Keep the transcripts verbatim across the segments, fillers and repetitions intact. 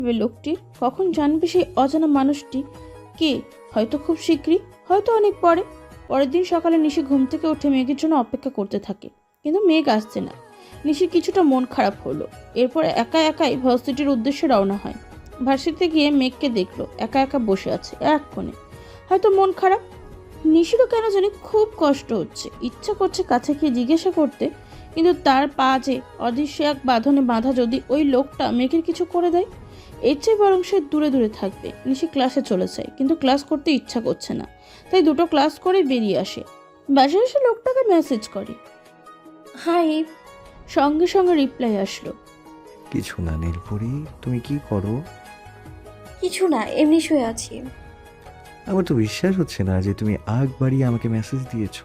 লোকটির, কখন জানবে সেই অজানা মানুষটি কে? হয়তো খুব শীঘ্রই, হয়তো অনেক পরে। পরের দিন সকালে নিশি ঘুম থেকে উঠে মেঘের জন্য অপেক্ষা করতে থাকে, কিন্তু মেঘ আসছে না। নিশির কিছুটা মন খারাপ হলো। এরপর একা একাই ভার্সিটির উদ্দেশ্যে রওনা হয়। ভার্সিটিতে গিয়ে মেঘকে দেখলো একা একা বসে আছে এক কোণে, হয়তো মন খারাপ। নিশিরও কেন জানি খুব কষ্ট হচ্ছে, ইচ্ছা করছে কাছে গিয়ে জিজ্ঞাসা করতে, কিন্তু তার পা যে অদৃশ্য এক বাঁধনে বাঁধা, যদি ওই লোকটা মেঘের কিছু করে দেয়। এর চেয়ে বরং সে দূরে দূরে থাকবে। নিশি ক্লাসে চলে যায়, কিন্তু ক্লাস করতে ইচ্ছা করছে না, তাই দুটো ক্লাস করে বেরিয়ে আসে। বাসায় এসে লোকটাকে মেসেজ করে, হাই। সঙ্গে সঙ্গে রিপ্লাই আসলো, কিছু না নীলপরি, তুমি কি করো? কিছু না, এমনি শুয়ে আছি। আমার তো বিশ্বাস হচ্ছে না যে তুমি আগ বাড়িয়ে আমাকে মেসেজ দিয়েছো।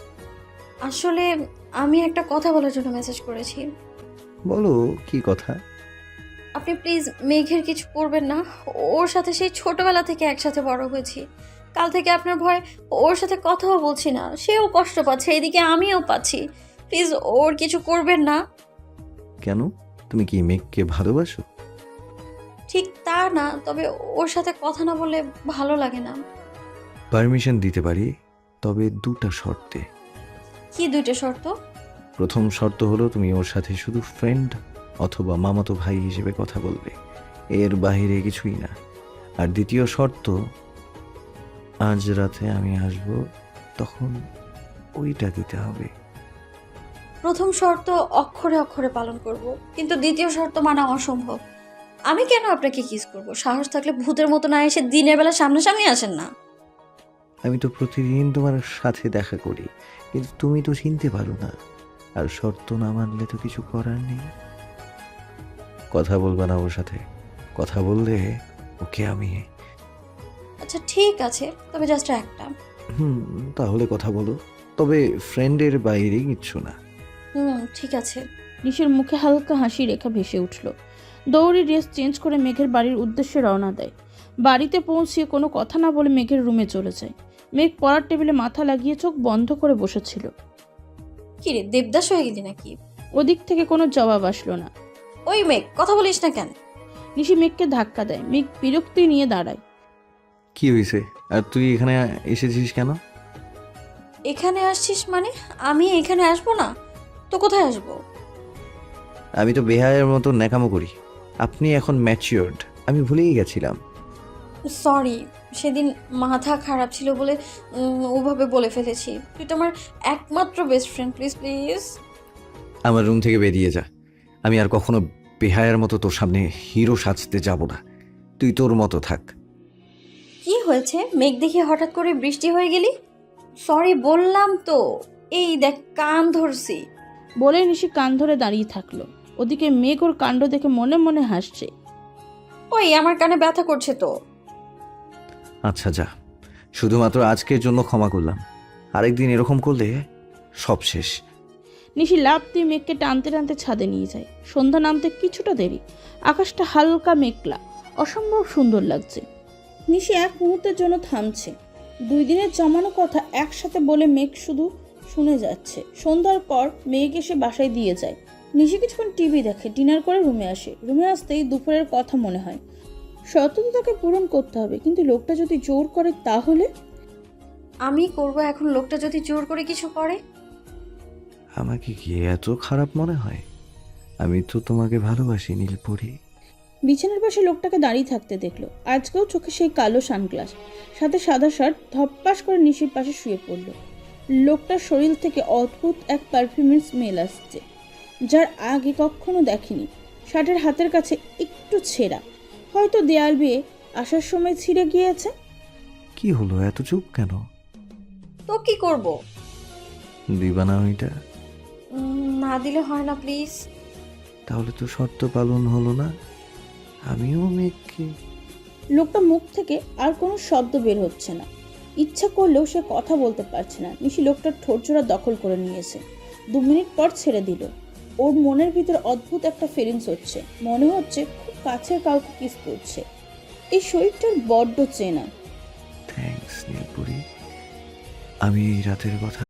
আসলে আমি একটা কথা বলার জন্য মেসেজ করেছি। বলো, কি কথা? আপনি প্লিজ মেঘের কিছু করবেন না। ওর সাথে সেই ছোটবেলা থেকে একসাথে বড় হয়েছি। কাল থেকে আপনার ভয় ওর সাথে কথাও বলছি না। সেও কষ্ট পাচ্ছে, এদিকে আমিও পাচ্ছি। প্লিজ ওর কিছু করবেন না। কেন, তুমি কি মেঘকে ভালোবাসো? ঠিক তা না, তবে ওর সাথে কথা না বললে ভালো লাগে না। পারমিশন দিতে পারি, তবে দুটা শর্তে। কি দুইটা শর্ত? প্রথম শর্ত হলো তুমি ওর সাথে শুধু ফ্রেন্ড অথবা মামাতো ভাই হিসেবে কথা বলবে, এর বাইরে কিছুই না। আর দ্বিতীয় শর্ত, আজ রাতে আমি আসব, তখন ওইটা দিতে হবে। প্রথম শর্ত অক্ষরে অক্ষরে পালন করব, কিন্তু দ্বিতীয় শর্ত মানা অসম্ভব। আমি কেন আপনাকে কিস করব? সাহস থাকলে ভূতের মতো না এসে দিনের বেলা সামনাসামনি আসেন না। আমি তো প্রতিদিন তোমার সাথে দেখা করি, কিন্তু তুমি তো চিনতে পারো না। আর শর্ত না মানলে তো কিছু করার নেই। কথা বলবা না ওর সাথে? কথা বললে ওকে আমি। আচ্ছা ঠিক আছে, তবে জাস্ট একটা। হুম, তাহলে কথা বলো, তবে ফ্রেন্ডের বাইরে কিচ্ছু না। হুম ঠিক আছে। নিশির মুখে হালকা হাসি রেখা ভেসে উঠল। দৌড়ে ড্রেস চেঞ্জ করে মেঘের বাড়ির উদ্দেশ্যে রওনা দেয়। বাড়িতে পৌঁছিয়ে কোনো কথা না বলে মেঘের রুমে চলে যায়। মেঘ পড়ার টেবিলে মাথা লাগিয়ে চোখ বন্ধ করে বসেছিল। কিরে দেবদাস হয়ে গেলি নাকি? ওদিক থেকে কোনো জবাব আসলো না। ওই মেঘ, কথা বলিস না কেন? নিশি মেঘকে ধাক্কা দেয়। মেঘ বিরক্তি নিয়ে দাঁড়ায়। কি হয়েছে? আর তুই এখানে এসেছিস কেন? এখানে আসছিস মানে? আমি এখানে আসবো না তো কোথায় আসবো? আমি তো বেহায়ের মতো ন্যাকামো করি। আপনি এখন ম্যাচিওরড, আমি ভুলেই গেছিলাম। সরি, সেদিন মাথা খারাপ ছিল বলে উম, ওভাবে বলে ফেলেছি। তুই তো আমার একমাত্র বেস্ট ফ্রেন্ড, প্লিজ প্লিজ। আমার রুম থেকে বেরিয়ে যা। আমি আর কখনো বেহায়ের মতো তোর সামনে হিরো সাজতে যাব না। তুই তোর মতো থাক। কি হয়েছে? মেঘ দেখে হঠাৎ করে বৃষ্টি হয়ে গেলি? সরি বললাম তো। এই দেখ কান ধরছি। বলে নিশি কান ধরে দাঁড়িয়ে থাকলো। ওদিকে মেঘ ওর কাণ্ড দেখে মনে মনে হাসছে। ওই আমার কানে ব্যথা করছে তো। আচ্ছা যা, শুধুমাত্র আজকের জন্য ক্ষমা করলাম। আরেকদিন এরকম করলে সব শেষ। নিশি লাফ দিয়ে মেঘকে টানতে টানতে ছাদে নিয়ে যায়। সন্ধ্যা নামতে কিছুটা দেরি। আকাশটা হালকা মেঘলা, অসম্ভব সুন্দর লাগছে। নিশি এক মুহূর্তের জন্য থামছে। দুই দিনের জমানো কথা একসাথে বলে মেঘ শুধু শুনে যাচ্ছে। সন্ধ্যার পর মেঘ এসে বাসায় দিয়ে যায়। নিশি কিছুক্ষণ টিভি দেখে, ডিনার করে রুমে আসে। রুমে আসতেই দুপুরের কথা মনে হয়। শর্ত তো তাকে পূরণ করতে হবে, কিন্তু লোকটা যদি জোর করে তাহলে? আমি করব এখন, লোকটা যদি জোর করে কিছু করে? আমাকে কি এত খারাপ মনে হয়? আমি তো তোমাকে ভালোবাসি নীলপরি। বিছানার পাশে লোকটাকে দাঁড়িয়ে থাকতে দেখলো। আজকেও চোখে সেই কালো সানগ্লাস, সাথে সাদা শার্ট। ধপ্পাস করে নিশির পাশে শুয়ে পড়ল। লোকটার শরীর থেকে অদ্ভুত এক পারফিউমের স্মেল আসছে, যার আগে কখনো দেখেনি। শার্টের হাতের কাছে একটু ছেঁড়া, হয়তো দেয়াল বেয়ে আসার সময় ছিঁড়ে গিয়েছে। কি হলো, এত চুপ কেন? তো কি করব? দিবা না ওইটা? উম, না দিলে হয় না প্লিজ। তাহলে তো শর্ত পালন হলো না। আমিও মেঘকে। লোকটা মুখ থেকে আর কোনো শব্দ বের হচ্ছে না। ইচ্ছা করলেও সে কথা বলতে পারছে না। নিশি লোকটার ঠোঁটজোড়া দখল করে নিয়েছে। দু মিনিট পর ছেড়ে দিল। ওর মনের ভিতর অদ্ভুত একটা ফিলিংস হচ্ছে। মনে হচ্ছে খুব কাছের কাউকে কিস করছে। এই শরীরটার বড্ড চেনা। থ্যাঙ্কস নীলপরি। আমি এই রাতের কথা